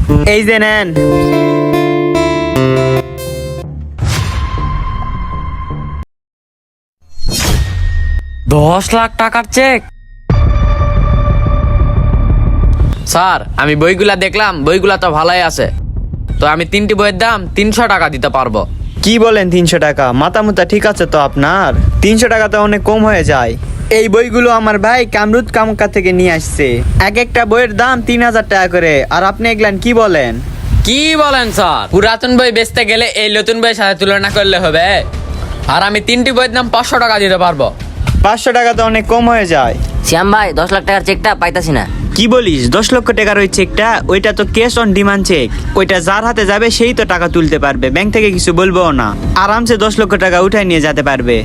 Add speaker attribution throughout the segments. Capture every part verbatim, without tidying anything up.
Speaker 1: এই যে নেন।
Speaker 2: দশ লাখ টাকার চেক। স্যার আমি বইগুলা দেখলাম, বইগুলা তো ভালোই আছে, তো আমি তিনটি বইয়ের দাম তিনশো টাকা দিতে পারবো।
Speaker 1: কি বলেন তিনশো টাকা? মাথা মুতা ঠিক আছে তো আপনার? তিনশো টাকা তো অনেক কম হয়ে যায়। এই বইগুলো আমার ভাই কামরুদ কামকা থেকে নিয়ে আসছে। এক একটা বইয়ের দাম তিন হাজার টাকা করে, আর আপনি এগুলান কি বলেন?
Speaker 2: কি বলেন স্যার? পুরাতন বই বেচতে গেলে এই নতুন বইয়ের সাথে তুলনা করলে হবে? আর আমি তিনটি বইয়ের দাম পাঁচশো টাকা দিতে পারবো।
Speaker 1: পাঁচশো টাকা তো অনেক কম হয়ে যায়।
Speaker 3: শ্যাম ভাই, দশ লাখ টাকার চেকটা পাইতাছি না।
Speaker 1: কি বলিস? দশ লক্ষ টাকার ওই চেকটা, ওইটা তো ক্যাশ অন ডিমান্ড চেক। ওইটা যার হাতে যাবে সেই তো টাকা তুলতে পারবে, ব্যাংক থেকে কিছু বলবো না। আরামসে দশ লক্ষ টাকা উঠায় নিয়ে যেতে পারবে।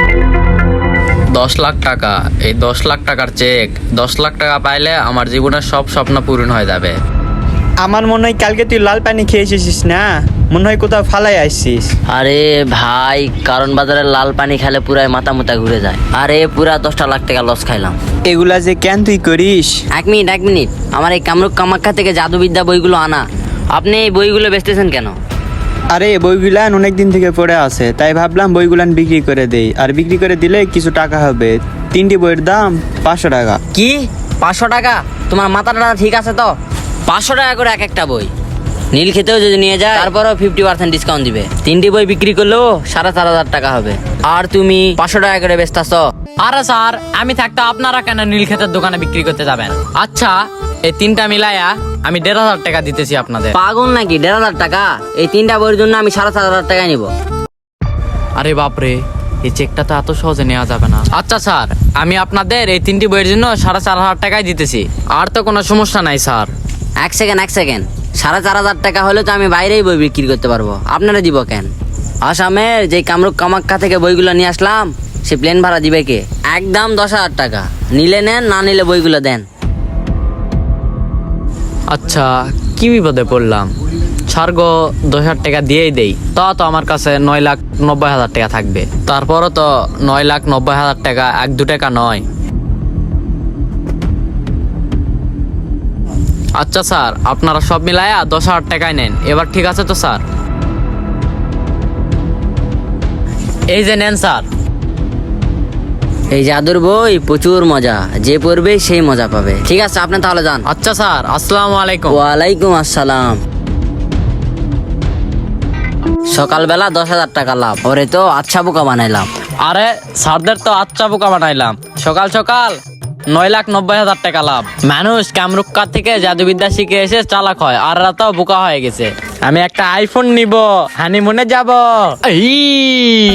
Speaker 2: দশ লাখ টাকা, এই দশ লাখ টাকার চেক, দশ লাখ টাকা পাইলে আমার জীবনের সব স্বপ্ন পূরণ হয়ে যাবে।
Speaker 1: আমার মনে হয় কালকে তুই লাল পানি খেয়ে এসেছিস না? মনে হয় কোথাও ফালাই আসছিস।
Speaker 3: আরে ভাই, কারণ বাজারে লাল পানি খেলে পুরাই মাথা মুতা ঘুরে যায়। আরে পুরা দশটা লাখ টাকা লস খাইলাম।
Speaker 1: এগুলা যে কেন তুই করিস?
Speaker 3: এক মিনিট এক মিনিট আমার এই কামরূপ কামাখ্যা থেকে জাদুবিদ্যা বইগুলো আনা। আপনি এই বইগুলো বেচতেছেন কেন?
Speaker 1: আরে বইগুলান অনেক দিন থেকে পড়ে আছে, তাই ভাবলাম বইগুলান বিক্রি করে দেই। আর বিক্রি করে দিলে কিছু টাকা হবে। তিনটি বইয়ের দাম পাঁচশো টাকা।
Speaker 3: কি পাঁচশো টাকা? তোমার মাথাটা ঠিক আছে তো? পাঁচশো টাকা করে এক একটা বই। নীল খেতেও যদি নিয়ে যায় তারপরেও ফিফটি পার্সেন্ট ডিসকাউন্ট দিবে। তিনটি বই বিক্রি করলেও সাড়ে চার হাজার টাকা হবে, আর তুমি পাঁচশো টাকা করে বেচতাছ।
Speaker 2: আরে স্যার, আমি থাকতে আপনারা কেন নীলক্ষেতের দোকানে বিক্রি করতে যাবেন? আচ্ছা, এই তিনটা মিলাইয়া আমি দেড় হাজার টাকা দিতেছি আপনাদের।
Speaker 3: পাগল নাকি? দেড় হাজার টাকা? এই তিনটা বইয়ের জন্য আমি সাড়ে চার হাজার টাকায় নিব।
Speaker 2: আরে বাপরে, এই চেকটা তো এত সহজে নেওয়া যাবে না। আচ্ছা স্যার, আমি আপনাদের এই তিনটি বইয়ের জন্য সাড়ে চার হাজার টাকাই দিতেছি। আর তো কোনো সমস্যা নাই স্যার।
Speaker 3: এক সেকেন্ড এক সেকেন্ড সাড়ে চার হাজার টাকা হলে তো আমি বাইরেই বই বিক্রি করতে পারবো, আপনারা দিব কেন? আসামের যে কামরূপ কামাখ্যা থেকে বইগুলো নিয়ে আসলাম, সে প্লেন ভাড়া দিবে কে? একদম দশ হাজার টাকা। নিলে নেন, না নিলে বইগুলো দেন।
Speaker 2: আচ্ছা, কি বিপদে পড়লাম? ছাড় গো, দশ হাজার টাকা দিয়েই দেই। তা তো আমার কাছে নয় লাখ নব্বই হাজার টাকা থাকবে। তারপরও তো নয় লাখ নব্বই হাজার টাকা এক দু টাকা নয়। আচ্ছা স্যার, আপনারা সব মিলায়া দশ হাজার টাকায় নেন। এবার ঠিক আছে তো স্যার? এই যে নেন স্যার।
Speaker 3: এই জাদুর বই প্রচুর মজা, যে পড়বে সেই মজা পাবে। ঠিক আছে, আপনি তাহলে যান।
Speaker 2: আচ্ছা স্যার, আসসালামু আলাইকুম।
Speaker 3: ওয়ালাইকুম আসসালাম। সকালবেলা দশ হাজার টাকা লাভ, ওরে তো আচ্ছা বোকা বানাইলাম।
Speaker 2: আরে স্যারদের তো আচ্ছা বোকা বানাইলাম। সকাল সকাল নয় লাখ নব্বই হাজার টাকা লাভ। মানুষ কামরুক্কা থেকে জাদুবিদ্যা শিখে এসে চালাক হয়, আর এরা তো বোকা হয়ে গেছে। আমি একটা আইফোন নিব, হানিমুনে যাব। এই